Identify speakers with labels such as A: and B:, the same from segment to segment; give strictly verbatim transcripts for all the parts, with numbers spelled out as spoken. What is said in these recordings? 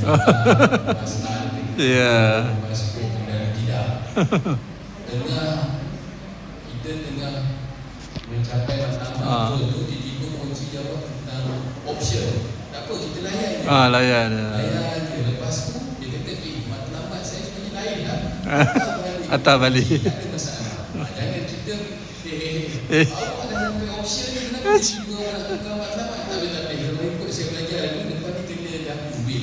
A: Ya.
B: Tengah kita tengah mencapai matlamat
A: Ah.
B: tu, tiba-tiba kunci jawab tentang option. Tak apa, kita layan je.
A: Ah, layan je.
B: Layan je. Lepas tu dia kata, eh, matlamat saya sebenarnya lain lah.
A: Atas balik.
B: Tak ada masalah. Jangan kita eh,
A: Eh.
B: awak dah sampai option ni, kenapa tiba-tiba orang nak tukar matlamat? Tak boleh, tak boleh. Kalau ikut saya belajar dulu, depan ni kena dah ubin.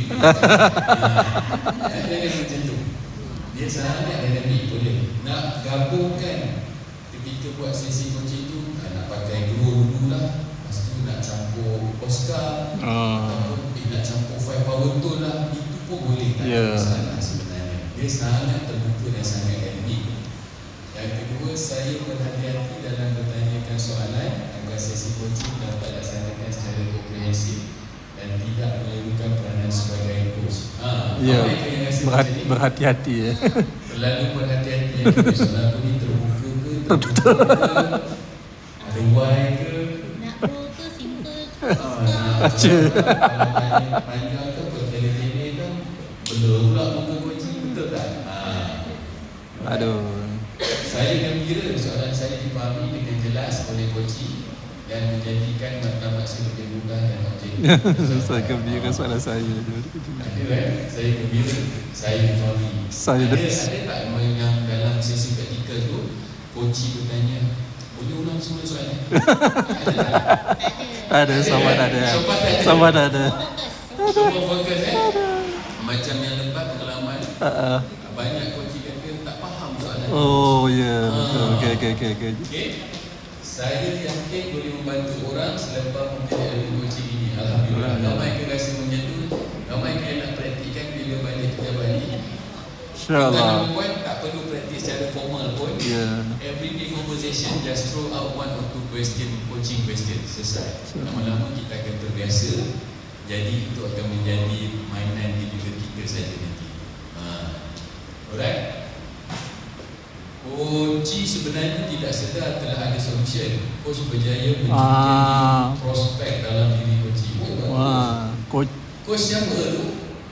B: Jangan macam tu. Dia sangat dynamic boleh. Nak gabungkan ketika buat sesi coaching tu, nak pakai grow dulu lah. Lepas tu nak campur Oscar,
A: Ah.
B: ataupun eh, nak campur five power tool lah. Itu pun boleh. Tak
A: Ya.
B: ada masalah sebenarnya. Dia sangat terbuka dan sangat dynamic. Yang kedua, saya berhati-hati dalam bertanyakan soalan agar sesi coaching dapat dilaksanakan secara komprehensif dan tidak memerlukan peranan sebagai coach. Ha,
A: Ya,
B: apa yang rasa
A: berhati,
B: macam ni?
A: berhati-hati ya.
B: Terlalu berhati-hati yang kedua. Soalan aku ni terbuka ke, terbuka ke, ada why ke,
C: Nak pro ke simple ke
B: ha, nak
A: Baca.
B: kalau tanya panjang ke, bertele-tele ke, blur pula muka coaching, betul tak? Ha.
A: Aduh.
B: Saya gembira soalan saya dipahami dengan jelas oleh coaching dan menjadikan matlamat saya lebih mudah dan objektif.
A: Saya gembira soalan saya.
B: Ada kan? Saya gembira, saya difahami.
A: Saya
B: ada,
A: dah-
B: ada tak yang dalam sesi praktikal tu, coaching bertanya, boleh ulang semula soalan? Ada tak?
A: Ada, sama
B: kan?
A: ada.
B: Sopan tak ada?
A: Sama ada.
B: Semua fokus eh? Macam yang lebat pengalaman,
A: Ah, ah.
B: banyak coaching kata tak faham soalan.
A: Oh ya, betul. Okey okey okey okey.
B: Okey. Saya yakin boleh membantu orang selepas mempunyai ilmu coaching ini. Alhamdulillah. Ramai ke rasa macam tu, ramai ke yang nak praktikkan bila balik kerja balik.
A: Insya-Allah.
B: Number one, tak perlu praktis secara formal pun.
A: Ya.
B: Everyday conversation, just throw out one or two question, coaching question, selesai. Lama-lama kita akan terbiasa. Jadi itu akan menjadi mainan di diri kita saja nanti. Ha. Alright. Coach sebenarnya tidak sedar telah ada solution. Coach berjaya menjadi
A: Ah.
B: prospek dalam diri coach. Oh,
A: Wah, coach.
B: coach siapa tu?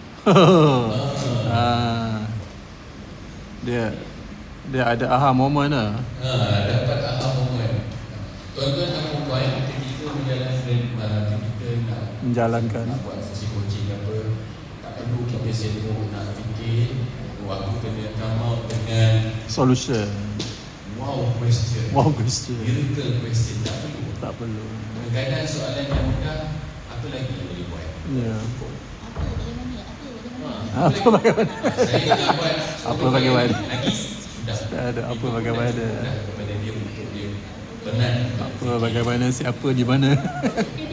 A: ah. Dia dia ada aha moment lah.
B: Ha, dapat aha moment. Tuan-tuan dan puan-puan, ketika menjalankan kita nak
A: Menjalankan.
B: nak buat sesi coaching apa, tak perlu kita sibuk nak fikir waktu kena come out dengan
A: Solution.
B: wow question,
A: Wow question.
B: miracle question. Tak perlu.
A: Tak perlu.
B: Kadang-kadang soalan yang mudah, apa lagi yang boleh buat?
A: Ya.
B: Cukup.
C: Apa bagaimana? Apa bagaimana?
B: Ha,
A: Apa bagaimana?
B: Saya nak buat
A: Apa bagaimana?
B: lagi sudah.
A: Ada apa bagaimana?
B: Sudah kepada dia untuk dia penat.
A: Apa bagaimana siapa di mana?